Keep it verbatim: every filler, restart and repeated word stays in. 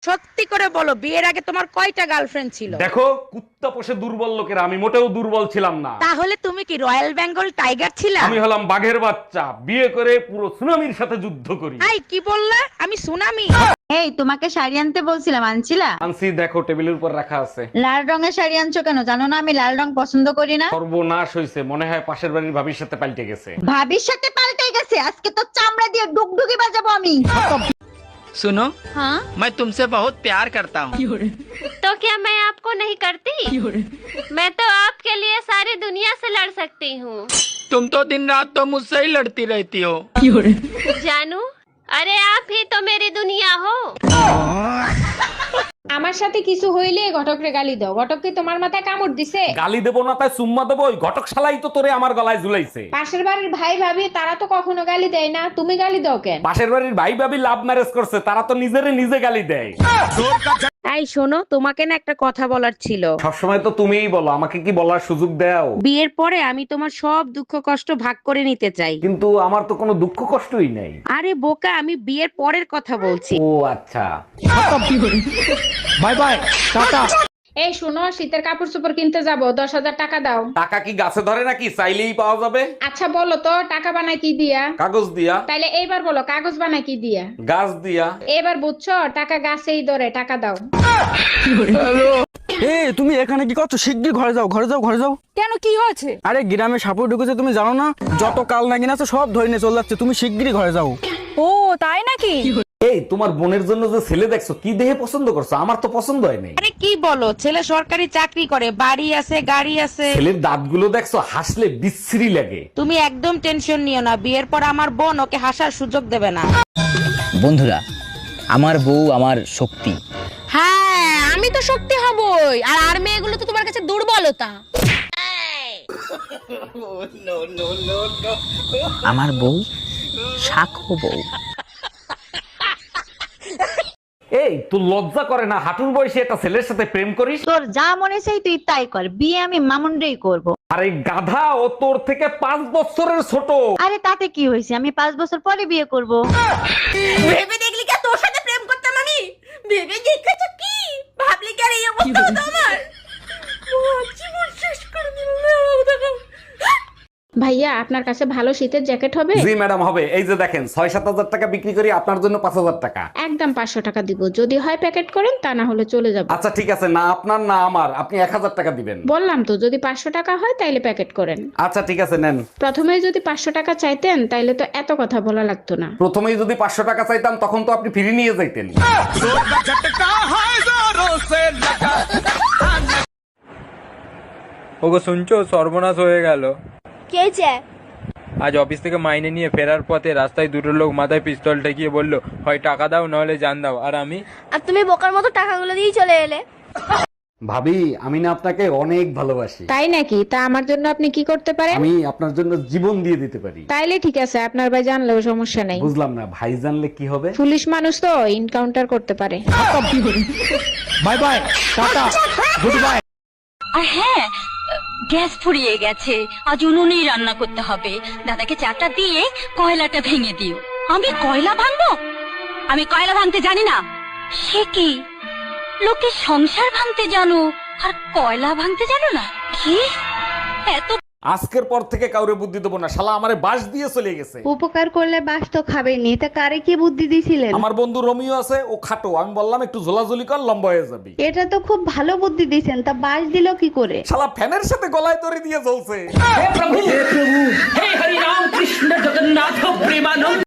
সত্যি করে বলো, বিয়ের আগে তোমার কয়টা গার্লফ্রেন্ড ছিল? দেখো, কুত্তা পোষে দুর্বল লোকেরা, আমি মোটেও দুর্বল ছিলাম না। তাহলে তুমি কি রয়্যাল বেঙ্গল টাইগার ছিলা? আমি হলাম বাঘের বাচ্চা, বিয়ে করে পুরো সুনামির সাথে যুদ্ধ করি। এই কি বললা? আমি সুনামি? এই তোমাকে শাড়ি আনতে বলছিলাম, আনছিলা? আনছি, দেখো টেবিলের উপর রাখা আছে। লাল রঙের শাড়ি আনছো কেন? জানো না আমি লাল রং পছন্দ করি না। সর্বনাশ হয়েছে, মনে হয় পাশের বাড়ির ভাবির সাথে পাল্টে গেছে। ভাবির সাথে পাল্টে গেছে? আজকে তো চামড়া দিয়ে ডুগডুগি বাজাবো আমি। सुनो, हाँ मैं तुमसे बहुत प्यार करता हूँ। तो क्या मैं आपको नहीं करती? मैं तो आपके लिए सारी दुनिया से लड़ सकती हूँ। तुम तो दिन रात तो मुझसे ही लड़ती रहती हो। जानू, अरे आप ही तो मेरी दुनिया हो। আমার সাথে কিছু হইলে ঘটকরে গালি দাও। ঘটক কি তোমার মাথায় কামড় দিছে? গালি দেবো না তাই চুম্মা দেবো? ওই ঘটক শালাই তো তোরে আমার গলায় ঝুলাইছে। পাশের বাড়ির ভাই ভাবি তারা তো কখনো গালি দেয় না, তুমি গালি দাও কেন? পাশের বাড়ির ভাই ভাবি লাভ ম্যারেজ করছে, তারা তো নিজেরে নিজে গালি দেয়। এই শোনো, তোমাকে না একটা কথা বলার ছিল। সবসময় তো তুমিই বলো, আমাকে কি বলার সুযোগ দাও? বিয়ের পরে আমি তোমার সব দুঃখ কষ্ট ভাগ করে নিতে চাই। কিন্তু আমার তো কোনো দুঃখ কষ্টই নেই। আরে বোকা, আমি বিয়ের পরের কথা বলছি। ও আচ্ছা। Bye bye, tata. এই শোনো, শীতের কাপড় চোপড় কিনতে যাব, দশ হাজার টাকা দাও। টাকা কি গাছে ধরে নাকি? চাইলেই পাওয়া যাবে। আচ্ছা বলো তো, টাকা বানায় কি দিয়া? কাগজ দিয়া। তাইলে এইবার বলো, কাগজ বানায় কি দিয়া? গাছ দিয়া। এবার বুঝছো, টাকা গাছেই ধরে, টাকা দাও। এ তুমি এখানে কি করছো? শিগগির ঘরে যাও, ঘরে যাও, ঘরে যাও। কেন, কি হয়েছে? আরে গ্রামে সাপুর ঢুকেছে, তুমি জানো না? যত কাল নাগিন আছে সব ধরে নিয়ে চলে যাচ্ছে, তুমি শিগগিরই ঘরে যাও। ও তাই নাকি? এই তোমার বোনের জন্য যে ছেলে দেখছো, কি দেহে পছন্দ করছো? আমার তো পছন্দ হয় নাই। আরে কি বলো, ছেলে সরকারি চাকরি করে, বাড়ি আছে, গাড়ি আছে। ছেলের দাঁতগুলো দেখছো, হাসলে বিশ্রী লাগে। তুমি একদম টেনশন নিও না, বিয়ের পর আমার বোন ওকে হাসার সুযোগ দেবে না। বন্ধুরা, আমার বউ আমার শক্তি। হ্যাঁ, আমি তো শক্তি হবই, আর আর মেয়েগুলো তো তোমার কাছে দুর্বলতা। আমার বউ শাখো বউ। এই তোর লজ্জা করে না? হাঁটুর বয়সে একটা ছেলের সাথে প্রেম করিস? তোর যা মনে চাই তুই তাই কর, বিয়ে আমি মামুনরেই করব। আরে গাধা, ও তোর থেকে পাঁচ বছরের ছোট। আরে তাতে কি হয়েছে, আমি পাঁচ বছর পরে বিয়ে করব। ভেবে দেখলি কি তোর সাথে প্রেম করতাম আমি? ভেবে দেখেছো কি? ভাবলি কি আর এই অবস্থা হতো আমার? জীবন শেষ করে দিল। ভাইয়া, আপনার কাছে ভালো শীতের জ্যাকেট হবে? জি ম্যাডাম, হবে। এই যে দেখেন, ছয় সাত হাজার টাকা বিক্রি করি, আপনার জন্য পাঁচ হাজার টাকা। একদম পাঁচশো টাকা দিব, যদি হয় প্যাকেট করেন, তা না হলে চলে যাব। আচ্ছা ঠিক আছে, না আপনার না আমার, আপনি এক হাজার টাকা দিবেন। বললাম তো, যদি পাঁচশো টাকা হয় তাইলে প্যাকেট করেন। আচ্ছা ঠিক আছে, নেন। প্রথমে যদি পাঁচশো টাকা চাইতেন তাইলে তো এত কথা বলা লাগতো না। প্রথমেই যদি পাঁচশো টাকা চাইতাম, তখন তো আপনি ফিরে নিয়ে যাইতেন। ওগো শুনছো, সর্বনাশ হয়ে গেল। কে চায়? আজ অফিস থেকে মাইনে নিয়ে ফেরার পথে রাস্তায় দুটো লোক মাথায় পিস্তল ঠেকিয়ে বললো, হয় টাকা দাও নাহলে জান দাও। আর আমি আর তুমি বোকার মতো টাকাগুলো দিয়ে চলে এলে। ভাবি, আমি না আপনাকে অনেক ভালোবাসি। তাই নাকি? তা আমার জন্য আপনি কি করতে পারেন? আমি আপনার জন্য জীবন দিয়ে দিতে পারি। তাইলে ঠিক আছে, আপনার ভাই জানলেও সমস্যা নাই। বুঝলাম না, ভাই জানলে কি হবে? পুলিশ মানুষ তো, ইনকাউন্টার করতে পারে। Bye bye, tata, good bye. আর হ্যাঁ, গ্যাস ফুরিয়ে গেছে, আজ উনুনেই রান্না করতে হবে। দাদাকে চাটা দিয়ে কয়লাটা ভেঙে দিও। আমি কয়লা ভাঙবো? আমি কয়লা ভাঙতে জানি না। সে কি, লোকে সংসার ভাঙতে জানো আর কয়লা ভাঙতে জানো না? কি এত আজকের পর থেকে কাউরে বুদ্ধি দেবো না, শালা আমারে বাঁশ দিয়ে চলে গেছে। উপকার করলে বাস তো খাবেনি, তা কারে কি বুদ্ধি দিছিলেন? আমার বন্ধু রোমিও আছে, ও খাটো, আমি বললাম একটু ঝোলাঝুলি কর, লম্বা হয়ে যাবি। এটা তো খুব ভালো বুদ্ধি দিছেন, তা বাস দিল কি করে? শালা ফ্যানের সাথে গলায় দড়ি দিয়ে জ্বলছে।